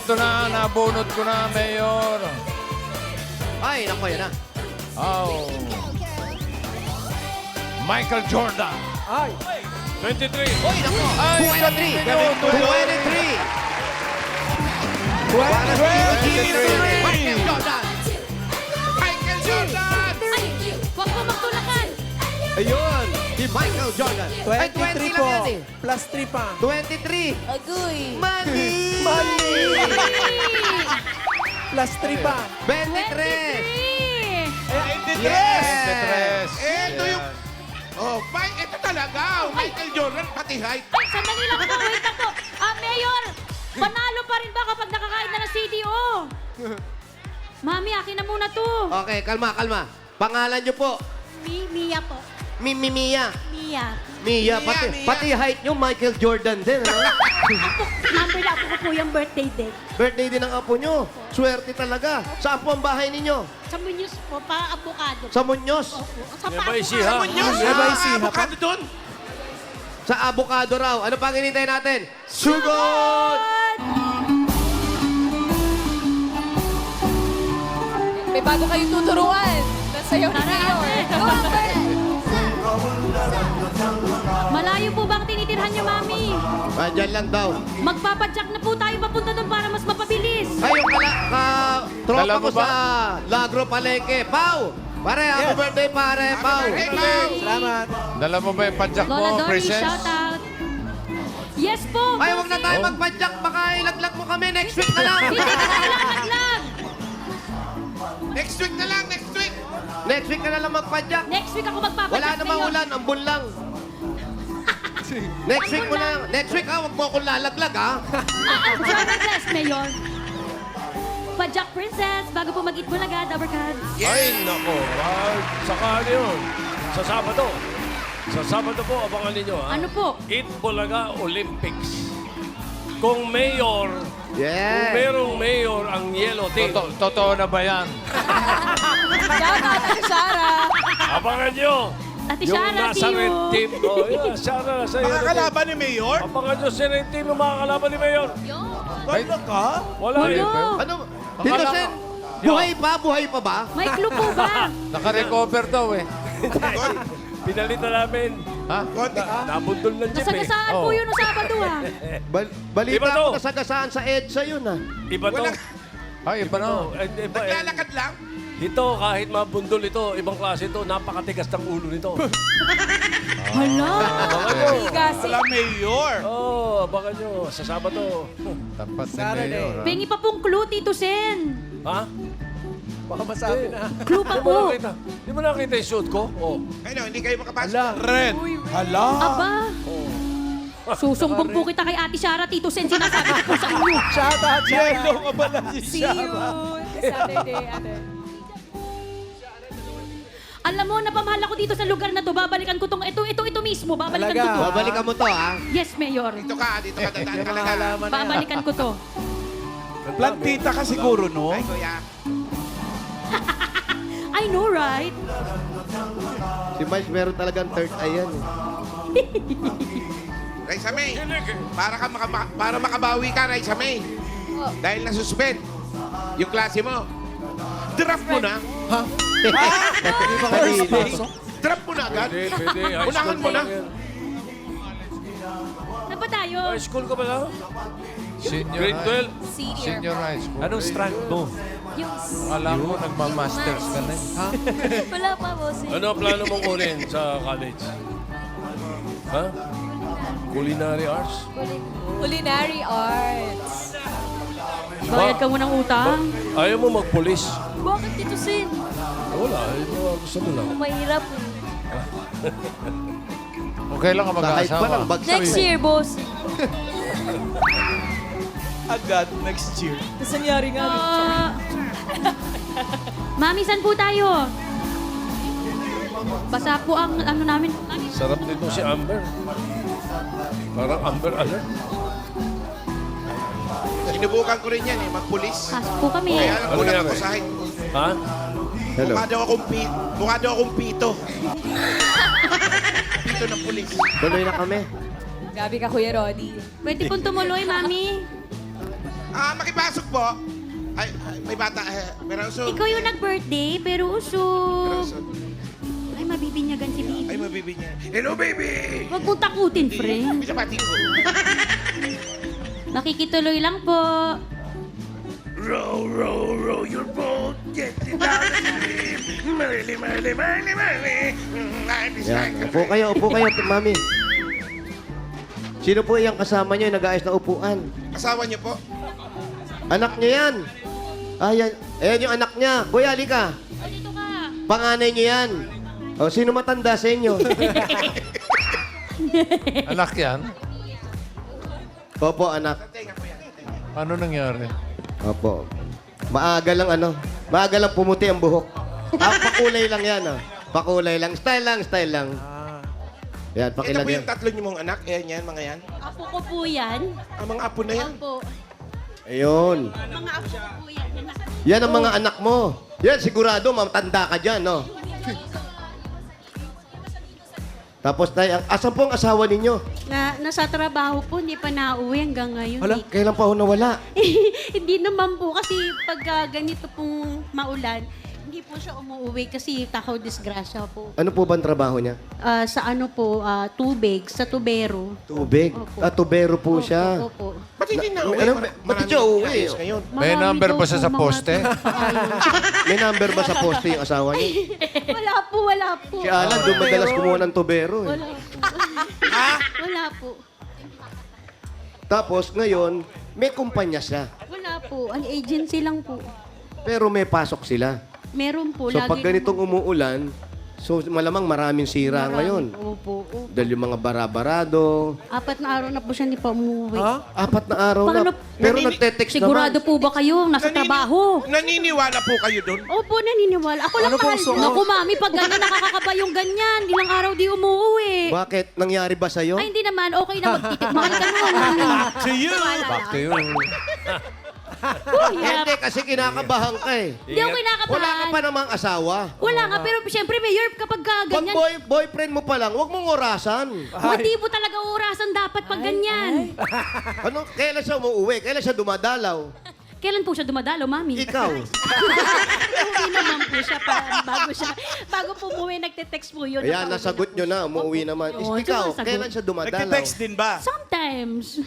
Ito na, nabunot ko na, Mayor. Ay, naku, yan na. Oh. Michael Jordan. Ay! 23. Uy, naku. Ay, 23. 23. 23. Michael Jordan. Michael Jordan! Ay, huwag po magtulakan. Ayun. Si Michael Jordan. Ay, 20 23 po. lang yan eh. Plus 3 pa. 23. Agoy. Money! Plus 3 pa. 23. 23. Yes! Ito yung... Oh, ito talaga. Michael Jordan, pati height. Ay, sandali lang po. Wait lang po. Mayor, panalo pa rin ba kapag nakakain na ng CDO? Mami, akin na muna to. Okay, kalma, kalma. Pangalan niyo po. Mia po. Mia. Mia. Mia, pati height niyo, Michael Jordan din. Ano? Number na po yung birthday date. Birthday din ng apo niyo. Swerte talaga. Saan po ang bahay ninyo? Sa Muñoz po, pa avocado. Sa Muñoz. Opo. Sa Ecija. Muñoz, Eba, isiha pa. avocado doon. Sa avocado raw. Ano pang hinintay natin? Sugod! May bago kayong tuturuan. Nasayaw ni Mayor. Go, Albert! Malayo po ba ang tinitirhan niyo, Mami? Diyan lang daw. Magpapadyak na po tayo papunta doon para mas mapabilis. Ay, yung tropa Dala ko mo ba? sa Lagro Palengke. Pau! Pare, happy birthday, pare. Pau! Salamat. Dala mo ba yung padjak Lola mo, Dory, Princess? shout out. Yes po. Ay, wag na tayo Oh. magpadyak. Baka ilaglag mo kami. Next week na lang. Hindi ka na lang naglag. Next week na lang, next week. Next week ka na lang magpadyak. Next week ako magpapadyak Wala namang sa'yo. ulan. Ambon lang. Next week mo na. Next week, ha? Huwag mo akong lalaglag, ha? Bless, Mayor. Padyak Princess, bago po mag-eat bulaga, Dabarkad. Ay, nako. Saka ano yun? Sa Sabado. Sa Sabado po, abangan ninyo, ha? Ano po? Eat Bulaga Olympics. Kung mayor, kung Yeah. merong mayor ang yellow team, Totoo na ba yan? Shout out, Ate Shara. abangan nyo. Ate Yung Shara, nasa see you. red team. Oh, yeah, Shara, sa yellow team. Makakalaban ni Mayor? Abangan nyo sa red team yung makakalaban ni mayor. Wala ka? Wala Wala. eh. Ano? Tito Sen, buhay pa? Buhay pa ba? May clue po ba? Naka-recover daw eh. Pinalitan namin. Ha? Konti. Nabundol ng jeep eh. Nasagasaan po Oh. yun noong Sabado, ha? Balita Iba to. ko nasagasaan sa EDSA yun, ha? Iba to. Walang- Ay, iba na. Iba, Naglalakad lang. Ito, kahit mabundol ito, ibang klase ito, napakatigas ng ulo nito. Hala. Higasi. Wala Mayor. Oo, abangan nyo. Sa Sabado. Tapat ni Saturday. Mayor. ha? Pengi pa pong clue, Tito Sen. Ha? Baka masabi na. Clue pa Di mo po. nakita? Di mo nakita yung suit ko? Oh. Ano, hindi kayo makapasok. Hala. Red. Hala. Aba. Susumbong po kita kay Ate Shara, Tito Sen. Sinasabi ko po sa inyo. Shout out, Yellow ka pala si See you Saturday, Ate. Alam mo, napamahal ako dito sa lugar na to. Babalikan ko tong ito mismo. Babalikan Talaga? ko to. Babalikan mo to, ha? Yes, Mayor. Dito ka, dadaan Yung ka mga lang. halaman na yan. Babalikan ko to. Plantita ka siguro, no? Ay, kuya. I know, right? Si Miles meron talagang third eye yan, eh. Raisa May, para makabawi ka, Raisa May. Dahil nasuspend yung klase mo. Draft mo na. Kanina. Draft mo na agad. Pwede, pwede. High Unahan school mo pa na. lang yan. Ano ba tayo? High school ka ba lang? Senior Grade high. 12? Senior. Senior high school. Anong strand mo? Yung... Alam mo, nagmamasters ka na. Ha? Wala pa, boss. Ano ang plano mong kunin sa college? Ha? Culinary arts? Culinary arts. Bayad ka mo ng utang. Ayaw mo magpulis? Bakit Tito Sen? Wala, gusto mo lang. Mahirap. Okay lang ka Sa height pa lang, mag-aasawa. bagsak. Next year, boss. Agad next year. Tapos nangyari nga. Mami, saan po tayo? Basa po ang ano namin. Mami, Sarap nito si Amber. Parang Amber Alert. Sinubukan ko rin yan eh, magpulis. pasok po kami. Kaya lang Ano kulang nangyari? ako sa height. Ha? Hello. Mukha daw akong pito. Pito ng pulis. Tuloy na kami. Gabi ka, Kuya Roddy. Pwede pong tumuloy, Mami. Makipasok po. Ay, may bata. Pero usog. Ikaw yung nag-birthday, pero Pero usog. usog. Ay, mabibinyagan si Ay, baby. mabibigyan. Hello, baby! Huwag mong takutin, friend. Pinabati ko. Makikituloy lang po. Row, row, row your boat. Get it down the stream. Marley, Marley, Marley, Marley. Life is Yan. like a Upo kayo, mami. Sino po yung kasama niyo yung nag-aayos na upuan? Asawa niyo po? Anak niya yan. Ayan. Ayan yung anak niya. Kuya, halika. O, dito ka. Panganay niyo yan. O, sino matanda sa inyo? Anak yan. Opo, anak. Ano nangyari? Opo. Maaga lang pumuti ang buhok. Pakulay lang yan, Pakulay lang. Style lang. Yan, Ito po pakilagay. yung tatlo niyo mong anak. Yan, mga yan. Apo ko po yan. Ang mga apo na yan. Opo. Ayun. Mga apo ko po yan. Yan ang mga anak mo. Yan, sigurado, matanda ka dyan, no? Tapos tayo, asan po ang asawa ninyo? Nasa trabaho po, hindi pa nauwi hanggang ngayon. Hala, kailan pa ho nawala? Hindi naman po kasi pag ganito pong maulan, hindi po siya umuwi kasi takaw disgrasya po. Ano po ba ang trabaho niya? Sa ano po, tubig, sa tubero. Tubig? Opo. Tubero po siya. Opo. Ba't hindi na uwi? Ano, ba't siya uwi? ayos ngayon. May Marami number daw ba siya po sa mga poste? ayos. May number ba sa poste yung asawa niya? Wala po. Si Alan, doon madalas kumuha ng tubero. Wala po. Wala po. Tapos ngayon, may kumpanya siya. Wala po. Ang agency lang po. Pero may pasok sila. Meron po. So pag ganitong umuulan, so malamang maraming sira ngayon. Opo. Dahil yung mga barabarado, 4 na araw na po siya hindi pa umuwi. 4 na araw Paano- na. Pero nagte-text Sigurado naman. po ba kayo? Nasa trabaho. Naniniwala po kayo doon? Opo, naniniwala. Ako lang mahal. Naku, mami, pag gano'n nakakakaba yung ganyan, ilang araw di umuwi. Bakit? Nangyari ba sa'yo? Ay, hindi naman. Okay na. Mahal ka nun. To you. Back to you. Hindi, kasi kinakabahan ka eh. Hindi ako kinakabahan. Wala ka pa namang asawa. Wala nga, pero siyempre, Mayor, kapag Pag ganyan, boyfriend mo pa lang, huwag mong orasan. hindi po talaga orasan dapat pag ganyan. Ano? Kailan siya umuwi? Kailan siya dumadalaw? Kailan po siya dumadalo, mami? Ikaw. Umuwi naman po siya bago po umuwi, nagte-text po yun. Ayan, nasagot nyo na. Umuwi naman. Oo, Ikaw, sumasagot. kailan siya dumadalaw? Nagte-text din ba? Sometimes.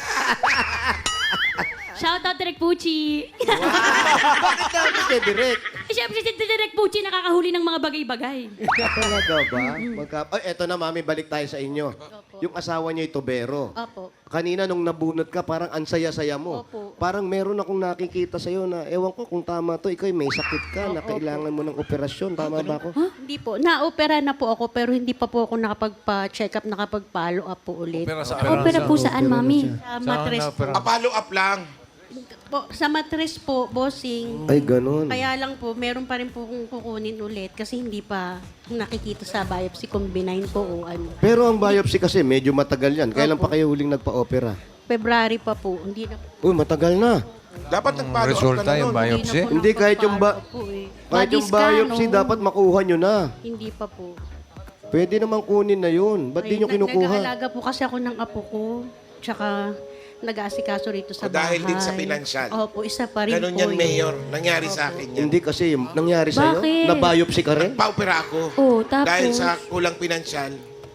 Shout out Direk Pucci. Bakit namin kay Direk? Siyempre si Direk Pucci nakakahuli ng mga bagay-bagay. Talaga ba? Ay, eto na, mami, balik tayo sa inyo. Yung asawa niyo ay tubero. Opo. Kanina nung nabunot ka, parang ansaya-saya mo. Opo. Parang meron akong nakikita sa'yo na, ewan ko kung tama to, ikaw may sakit ka, na kailangan mo ng operasyon. Tama ba ako? Hindi po. Na-opera na po ako pero hindi pa po ako nakapagpa-check up, nakapag-follow up po ulit. Opera sa Opera po saan, mami? Sa Saan matres na, pero- Follow up lang. po. Sa matres po, bossing. Ay, ganun. Kaya lang po, meron pa rin po kung kukunin ulit kasi hindi pa nakikita sa biopsy kung benign po o ano. Pero ang biopsy kasi, medyo matagal yan. Kailan pa kayo huling nagpa-opera? February pa po. Hindi na po. Uy, matagal na. Dapat nag-follow up ka Resulta na yung nun. biopsy? Hindi, kahit yung nakapag-follow po eh. Kahit yung Body scan, biopsy, oh. dapat makuha nyo na. Hindi pa po. Pwede namang kunin na yun. Ba't di nyo kinukuha? Nag-aalaga po kasi ako ng apo ko. Tsaka nag-aasikaso rito sa O, bahay. dahil din sa pinansyal. Opo, isa pa rin Ganun po yan, yun. Mayor. Nangyari sa akin yan. Hindi kasi, nangyari sa'yo? Bakit? Na-biopsy ka rin? Paupera ako. Oo, tapos? Dahil sa kulang pinansyal.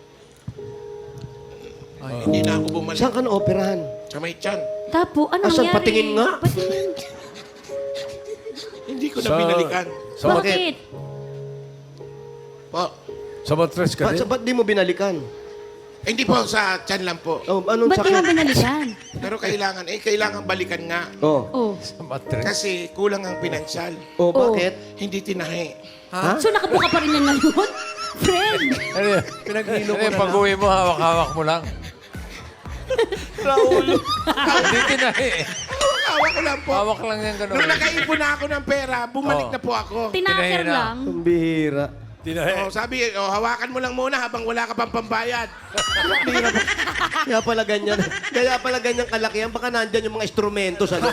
Hindi na ako bumalik Saan ka na-operahan? sa may tiyan. Tapo, ano Asan? nangyari? Patingin nga. Patingin. Hindi ko na binalikan. Sa, mat- Bakit? Po. sa matres ka din? Ba't di mo binalikan? Hindi po, sa tiyan lang po. Oh, anong Ba't di mo sakit? binalikan? Pero kailangan balikan nga. Oh, Oh. Sa matres. Kasi kulang ang pinansyal. oh, bakit? Hindi tinahi. So nakabuka pa rin yan ngayon? Friend! Ano yun? Ano yun, pag-uwi mo, hawak-hawak mo lang. Raul. Hindi tinahi eh. Hawak ko lang po. Hawak lang yan ganun. Nung nakaipon na ako ng pera, bumalik Oh. na po ako. Tinaker Pinahina. lang. Ang bihira. Oh, sabi, hawakan mo lang muna habang wala ka pang pambayad. Kaya pala ganyan. Kaya pala ganyan kalaki yan. Baka nandyan yung mga instrumento sa loob.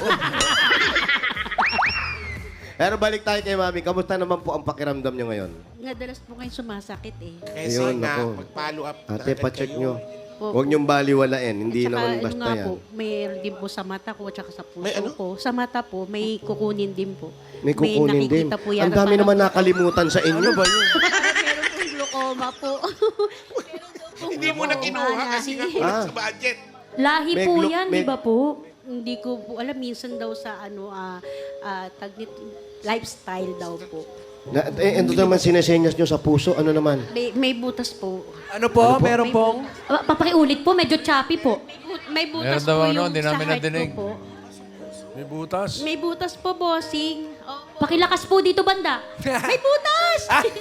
Pero balik tayo kay Mami. Kamusta naman po ang pakiramdam niyo ngayon? Nadalas po kayo sumasakit eh. Kasi Ayun, nga, ako. mag-follow up. Ate, agad pacheck kayo. nyo. Opo. Huwag niyong baliwalain. Hindi Tsaka, naman ano basta nga yan. po, mayroon din po sa mata ko at saka sa puso May ano? ko. Sa mata po, may kukunin din po. May kukunin din. nakikita po yan. Ang dami Parang- naman nakalimutan sa inyo. Ano ba yun? Meron pong glaucoma po. Hindi mo na kinuha kasi nga kulang Ah. sa budget. Lahi May po glu- yan, may- di ba po? Hindi ko po alam. Minsan daw sa lifestyle daw po. Ito naman sinesenyas nyo sa puso. Ano naman? May butas po. Ano po? Meron pong... Papakiulit po, medyo choppy po. May butas Meron daw po ano, yung hindi sa namin heart nadinig. ko po. May butas. May butas po, bossing. Pakilakas po dito, banda. May butas!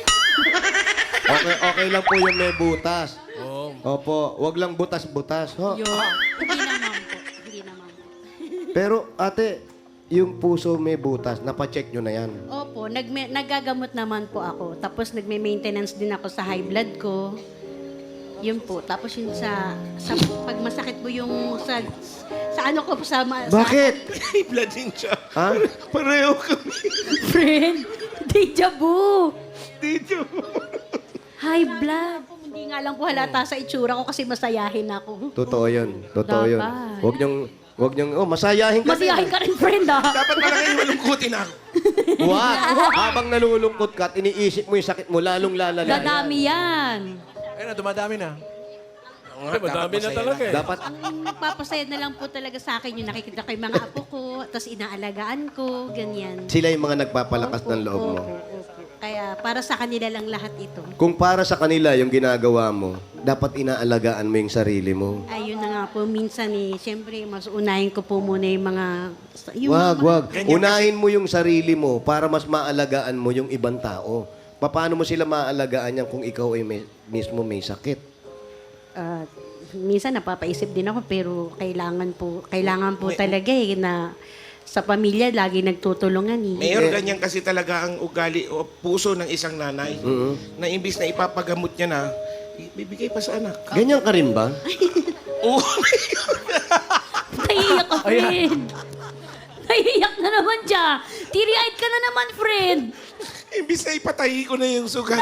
Okay lang po yung may butas. Oo. Opo, wag lang butas-butas. Ho? Hindi naman po. Hindi naman po. Pero ate, yung puso may butas, napacheck nyo na yan. Opo, nagagamot naman po ako. Tapos nagme-maintenance din ako sa high blood ko. Yun po. Tapos yun sa pag masakit po yung sa ano ko po sa... Bakit? May blood din siya. Ha? Pareho kami. Friend, deja vu. Dito. High blood. Hindi nga lang po halata sa itsura ko kasi masayahin ako. Totoo yun. Totoo yun. Dapat. Wag niyong, masayahin ka Masayahin ka rin, friend, ah. Dapat pala kayo malungkutin ako. Wag. Habang nalulungkot ka at iniisip mo yung sakit mo, lalong lalala. Dadami yan. Ayun na, dumadami na. Ay, madami na talaga eh. Dapat, Ang nagpapasaya na lang po talaga sa akin yung nakikita ko yung mga apo ko, tapos inaalagaan ko, ganyan. sila yung mga nagpapalakas ng loob mo. Opo. Kaya para sa kanila lang lahat ito. Kung para sa kanila yung ginagawa mo, dapat inaalagaan mo yung sarili mo. Ayun na nga po, minsan siyempre, mas unahin ko po muna yung mga... Wag. Unahin mo yung sarili mo para mas maalagaan mo yung ibang tao. Paano mo sila maalagaan yan kung ikaw ay mismo may sakit? Minsan napapaisip din ako, pero kailangan po talaga na sa pamilya lagi nagtutulungan eh. Mayor, ganyan kasi talaga ang ugali o puso ng isang nanay. Na imbis na ipapagamot niya na, bibigay pa sa anak. Ganyan ka rin ba? Oo. Naiiyak ka, friend. Naiiyak na naman siya. Teary-eyed ka na naman, friend. Imbis na ipatahi ko na yung sugat.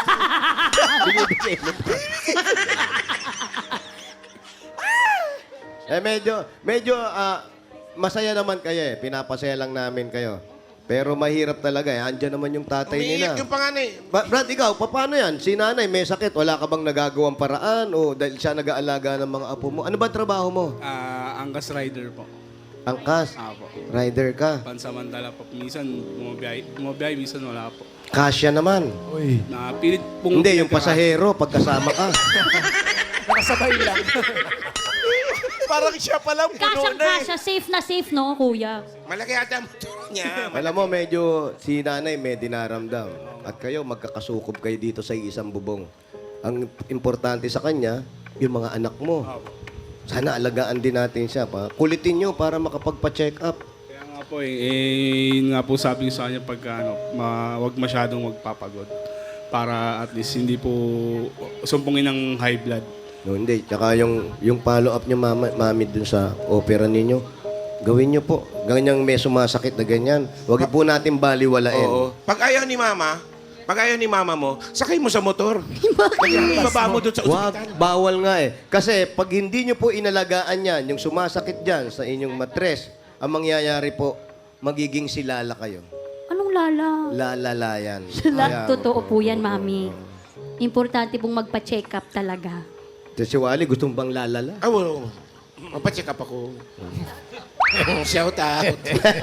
Medyo masaya naman kayo eh. Pinapasaya lang namin kayo. Pero mahirap talaga eh. Andiyan naman yung tatay nila. Umiiyak yung panganay. Brad, ikaw, paano yan? Si nanay may sakit. Wala ka bang nagagawang paraan? O dahil siya nag-aalaga ng mga apo mo? Ano ba trabaho mo? Angkas rider po. Angkas? Apo. Rider ka? Pansamantala po. Minsan bumabiyahe, minsan wala po. Kasya naman. Napilit pong... Hindi, yung pasahero, pagkasama ka. Nakasabay lang. Parang siya palang puno na eh. Kasya, safe, no, kuya? Malaki ata ang motor niya. Alam mo, medyo si nanay may dinaramdam. At kayo, magkakasukob kayo dito sa isang bubong. Ang importante sa kanya, yung mga anak mo. Sana alagaan din natin siya. Kulitin nyo para makapagpa-check up. Kaya nga po yun nga po sabi ko sa kanya pagka wag masyadong magpapagod. Para at least hindi po sumpungin ng high blood. No, hindi. Tsaka yung follow-up nyo, mami, dun sa opera ninyo, gawin nyo po. Ganyang may sumasakit na ganyan. Huwag po natin baliwalain. Oo. Pag ayaw ni mama mo, sakay mo sa motor. Ibaba mo doon sa Wag, ospital. bawal nga eh. Kasi pag hindi nyo po inalagaan yan, yung sumasakit dyan sa inyong matres, ang mangyayari po, magiging silala kayo. Anong lala? Lalala yan. Totoo po yan, mami. Importante pong magpa-check up talaga. Si Wally, gustong bang lalala? Ah, well, mapacheck up ako. Shout out.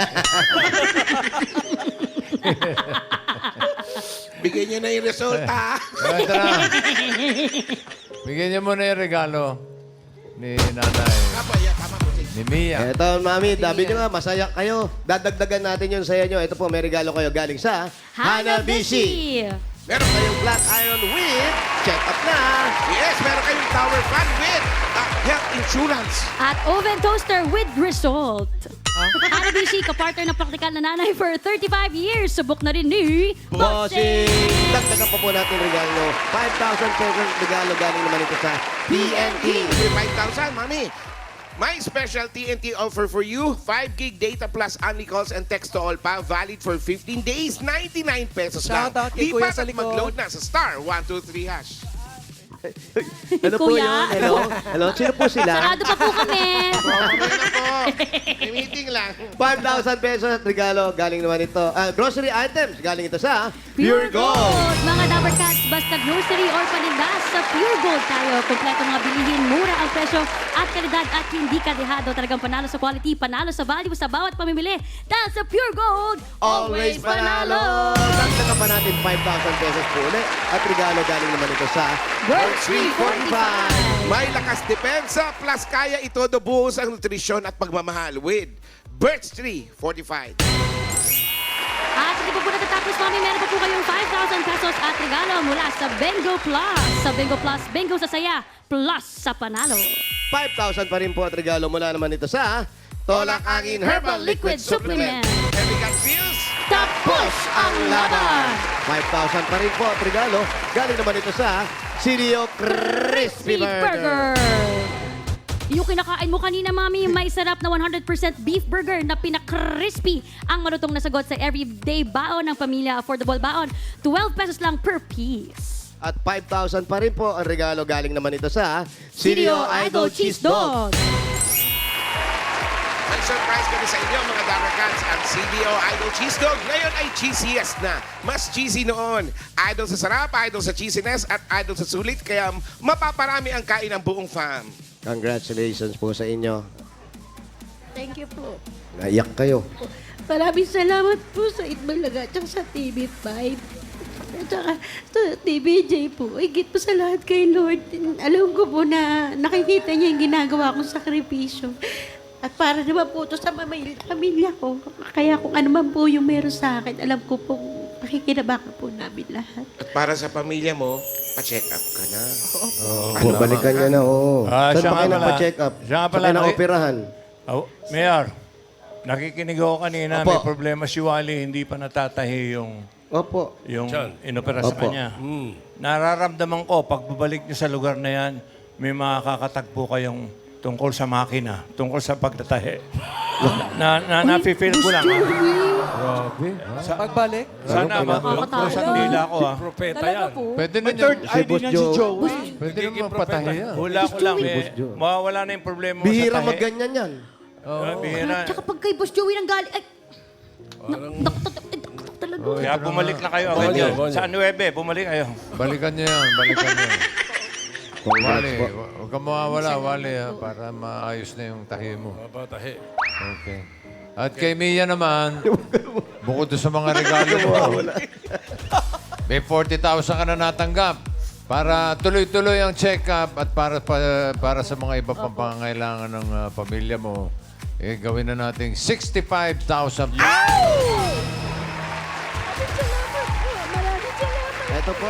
Bigyan niyo na yung resulta. Tara. Bigyan niyo muna yung regalo ni nanay. Tama po. Ni Mia. Eto, mami, dabi nyo nga, masaya kayo. Dadagdagan natin yun sa inyo. Ito po, may regalo kayo galing sa Hanabishi. Meron Kayong black iron with check up na. Yes, meron kayong tower fan with health insurance. At oven toaster with result. Hanabishi, kapartner ng praktikal na nanay for 35 years. Subok na rin ni Bossing! Dagdagan pa po natin regalo. 5,000 pesos regalo galing naman ito sa TNT. 5,000, mami. My special TNT offer for you, 5 gig data plus only calls and text to all pa, valid for 15 days, 99 pesos lang. Shout out kay Kuya Lipat sa at likod. mag-load na sa star 123 hash. Ano po Kuya? yun? Hello? Hello? Sino po sila? Sarado pa po kami. May meeting lang. 5,000 pesos at regalo. Galing naman ito. Grocery items. Galing ito sa Pure Gold! Mga Dabber Cats, basta grocery or paninda sa Pure Gold tayo. Kompleto mga bilihin, mura ang presyo at kalidad at hindi kadehado. Talagang panalo sa quality, panalo sa value sa bawat pamimili. Dahil sa Pure Gold, Always panalo! Dagdagan pa natin 5,000 pesos po ulit. At regalo galing naman ito sa World 345! May lakas depensa plus kaya ito buhos ang nutrisyon at pagmamahal with Birch Tree Fortified. At hindi pa po natatapos, mami, meron pa po kayong 5,000 pesos at regalo mula sa Bengo Plus. Sa Bengo Plus, Bengo sa saya, plus sa panalo. 5,000 pa rin po at regalo mula naman ito sa Tolak Angin Herbal Liquid Supplement. Chemical Pills. Tapos ang laban! 5,000 pa rin po at regalo. Galing naman ito sa Sirio Crispy Burger. Yung kinakain mo kanina, mami, may sarap na 100% beef burger na pinakrispy. Ang malutong na sagot sa everyday baon ng pamilya. Affordable baon, 12 pesos lang per piece. At 5,000 pa rin po ang regalo. Galing naman ito sa Sirio Idol Cheese Dog. May surprise kami sa inyo, mga Dabber Cats. Ang CDO Idol Cheese Dog ngayon ay cheesiest na. Mas cheesy noon. Idol sa sarap, idol sa cheesiness, at idol sa sulit. Kaya mapaparami ang kain ng buong fam. Congratulations po sa inyo. Thank you po. Naiyak kayo. Maraming salamat po sa Itbalaga at sa TV5. At saka sa TVJ po. Higit po sa lahat kay Lord. Alam ko po na nakikita niya yung ginagawa kong sakripisyo. At para naman po ito sa pamilya ko. Kaya kung ano man po yung meron sa akin, alam ko po makikinabakan po namin lahat. At para sa pamilya mo, pa-check up ka na. Po, balikan niya na, oo. Ah, Saan siya pa kayo nga pala. nagpa-check up? Siya nga pala, Saan kayo na-operahan? Oh, Mayor, nakikinig ako kanina. Opo. May problema si Wally. Hindi pa natatahi yung Opo. inopera sa Opo. kanya. Nararamdaman ko, pagbabalik niyo sa lugar na yan, may makakatagpo kayong tungkol sa makina, tungkol sa pagtatahi. Na-feel ko lang. Sa pagbalik? Sana Nakakatakot. mag-usang dila ko. Propeta Talaga yan. po. Pwede May third eye din yan si Joey. Pwede naman patahi yan. Hula ko lang mawawala na yung problema mo Bihira sa tahi. magganyan yan. Bihira. Tsaka pag kay Boss Joey nang galing, ay, talaga. Kaya bumalik na kayo agad Bonyo, yun. bonyo. Sa 9, bumalik kayo. Balikan niya yan, balikan niya. Congrats Wally, po. huwag kang mawawala, Wally, ha, para maayos na yung tahi mo. Mapatahi. Okay. At kay Mia naman, bukod doon sa mga regalo mo, may 40,000 ka na natanggap para tuloy-tuloy ang check-up at para sa mga iba pang pangangailangan ng pamilya mo, gawin na nating 65,000 pesos. Ito po,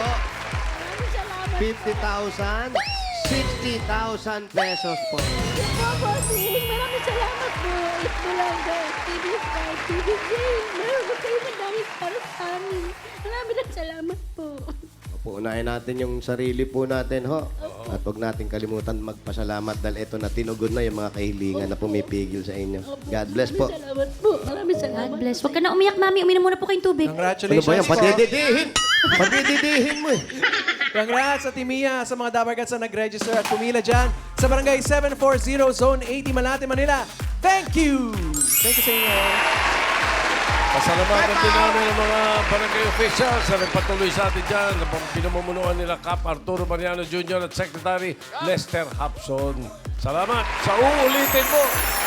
50,000, 60,000 pesos po. Maraming salamat po. Itbulaga, TV5, TVJ. Meron po kayo madaming para sa amin. Maraming salamat po. Opo, unahin natin yung sarili po natin, ho. At huwag natin kalimutan magpasalamat dahil ito na tinugon na yung mga kahilingan na pumipigil sa inyo. God bless po. Salamat po. Maraming salamat. God bless. Huwag ka na umiyak, mami. Uminom muna po kayong tubig. Ano ba Congratulations yan? po. Patididihin! Patididihin mo eh. Congrats sa Timia, sa mga Dabber Cats na nag-register at pumila dyan sa Barangay 740, Zone 80, Malate, Manila. Thank you! Thank you sa inyo. Pasalamatan din namin ang mga barangay officials na nagpatuloy sa atin dyan. Na pinamumunuan nila Cap Arturo Mariano Jr. at Secretary Lester Hapson. Salamat sa uulitin mo.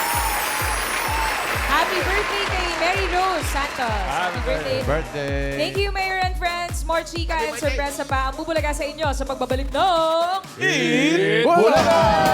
Happy birthday kay Mary Rose Santos. Happy birthday. Birthday! Thank you, Mayor and friends. More chika and sorpresa pa ang bubulaga sa inyo sa pagbabalik ng... Bulaga!